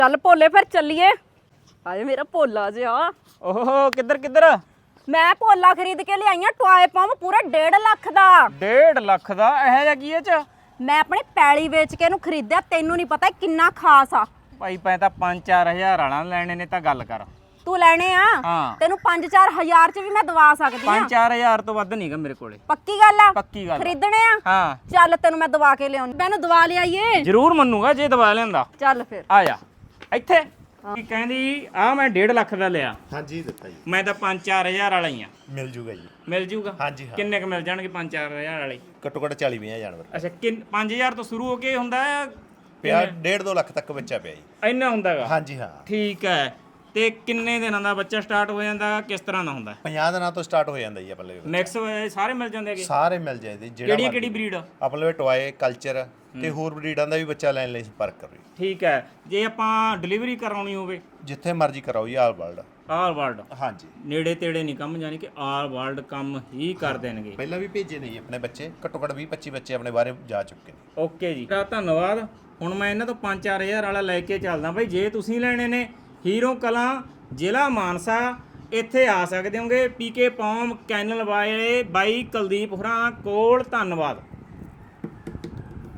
ਚੱਲ ਭੋਲੇ ਫਿਰ ਚੱਲੀਏ। ਹਾਏ ਮੇਰਾ ਭੋਲਾ ਜਿਹਾ। ਓਹੋ ਕਿੱਧਰ ਕਿੱਧਰ? ਮੈਂ ਭੋਲਾ ਖਰੀਦ ਕੇ ਲਿਆਈ ਆ ਟੋਏ ਪੰਪ ਪੂਰਾ 1.5 ਲੱਖ ਦਾ। 1.5 ਲੱਖ ਦਾ? ਇਹੋ ਜਿਹਾ ਕੀ ਇਹ ਚ? ਮੈਂ ਆਪਣੀ ਪੈਲੀ ਵੇਚ ਕੇ ਇਹਨੂੰ ਖਰੀਦਿਆ। ਤੈਨੂੰ ਨਹੀਂ ਪਤਾ ਕਿੰਨਾ ਖਾਸ ਆ। ਭਾਈ ਪੈ ਤਾਂ 5-4 ਹਜ਼ਾਰ ਵਾਲਾ ਲੈਣੇ ਨੇ ਤਾਂ ਗੱਲ ਕਰ। ਤੂੰ ਲੈਣੇ ਆ? ਹਾਂ। ਤੈਨੂੰ 5-4 ਹਜ਼ਾਰ ਚ ਵੀ ਮੈਂ ਦਵਾ ਸਕਦੀ ਆ। 5-4 ਹਜ਼ਾਰ ਤੋਂ ਵੱਧ ਨਹੀਂਗਾ ਮੇਰੇ ਕੋਲੇ। ਪੱਕੀ ਗੱਲ ਆ? ਪੱਕੀ ਗੱਲ। ਖਰੀਦਣੇ ਆ? ਹਾਂ ਚੱਲ ਤੈਨੂੰ ਮੈਂ ਦਵਾ ਕੇ ਲਿਆਉਂ। ਮੈਨੂੰ ਦਵਾ ਲਿਆਈਏ। ਜ਼ਰੂਰ ਮੰਨੂਗਾ ਜੇ ਦਵਾ ਲਿਆਂਦਾ। ਚੱਲ ਫਿਰ ਆ ਜਾ ਇੱਥੇ। ਕੀ ਕਹਿੰਦੀ ਆ? ਮੈਂ 1.5 ਲੱਖ ਦਾ ਲਿਆ। ਹਾਂਜੀ ਦਿੱਤਾ ਜੀ। ਮੈਂ ਤਾਂ 5-4 ਹਜ਼ਾਰ ਵਾਲਾ ਹੀ ਆ। ਮਿਲ ਜੂਗਾ ਜੀ। ਮਿਲ ਜੂਗਾ? ਹਾਂਜੀ ਹਾਂ। ਕਿੰਨੇ ਕ ਮਿਲ ਜਾਣਗੇ 5-4 ਹਜ਼ਾਰ ਵਾਲੇ? ਘੱਟੋ ਘੱਟ 40-50 ਜਾਨਵਰ ਅੱਛਾ 5000 ਤੋਂ ਸ਼ੁਰੂ ਹੋ ਕੇ ਹੁੰਦਾ ਹੈ? ਪਿਆ 1.5-2 ਲੱਖ ਤੱਕ ਬੱਚਾ ਪਿਆ ਜੀ। ਇੰਨਾ ਹੁੰਦਾਗਾ? ਹਾਂਜੀ ਹਾਂ। ਠੀਕ ਹੈ। ਤੇ ਕਿੰਨੇ ਦਿਨਾਂ ਦਾ ਬੱਚਾ ਸਟਾਰਟ ਹੋ ਜਾਂਦਾ? ਕਿਸ ਤਰ੍ਹਾਂ ਦਾ ਹੁੰਦਾ? 50 ਦਿਨਾਂ ਤੋਂ ਸਟਾਰਟ ਹੋ ਜਾਂਦਾ ਜੀ ਆਪਣੇ ਕੋਲ। ਮਿਕਸ ਸਾਰੇ ਮਿਲ ਜਾਂਦੇ ਹੈਗੇ? ਸਾਰੇ ਮਿਲ ਜਾਂਦੇ ਕਿਹੜੀ ਬਰੀਡ? ਆਪਣੇ ਕੋਲ ਟੋਏ ਕਲਚਰ ਤੇ ਹੋਰ ਬਰੀਡਾਂ ਦਾ ਵੀ ਬੱਚਾ ਲੈਣ ਲਈ ਸੰਪਰਕ ਕਰੋ ਜੀ। ਠੀਕ ਹੈ। ਜੇ ਆਪਾਂ ਡਿਲੀਵਰੀ ਕਰਾਉਣੀ ਹੋਵੇ? ਜਿੱਥੇ ਮਰਜ਼ੀ ਕਰਾਓ ਜੀ, ਆਲ ਵਰਲਡ। All world? ਹਾਂਜੀ। ਨੇੜੇ ਤੇੜੇ ਨਹੀਂ ਕੰਮ, ਜਾਨੀ ਕਿ ਆਲ ਵਰਲਡ ਕੰਮ ਹੀ ਕਰ ਦੇਣਗੇ। ਪਹਿਲਾਂ ਵੀ ਭੇਜੇ ਨੇ ਜੀ ਆਪਣੇ ਬੱਚੇ। ਘੱਟੋ ਘੱਟ 20-25 ਬੱਚੇ ਆਪਣੇ ਬਾਰੇ ਜਾ ਚੁੱਕੇ ਨੇ। ਓਕੇ ਜੀ, ਧੰਨਵਾਦ। ਹੁਣ ਮੈਂ ਇਹਨਾਂ ਤੋਂ 5-4 ਹਜ਼ਾਰ ਵਾਲਾ ਲੈ ਕੇ ਚੱਲਦਾ ਬਾਈ। ਜੇ ਤੁਸੀਂ ਲੈਣੇ ਨੇ ਹੀਰੋ ਕਲਾਂ ਜ਼ਿਲ੍ਹਾ ਮਾਨਸਾ, ਇੱਥੇ ਆ ਸਕਦੇ ਹੋਗੇ। ਪੀਕੇ ਪੌਮ ਕੈਨਲ ਵਾਲੇ ਬਾਈ ਕੁਲਦੀਪ ਹੋਰਾਂ ਕੋਲ। ਧੰਨਵਾਦ।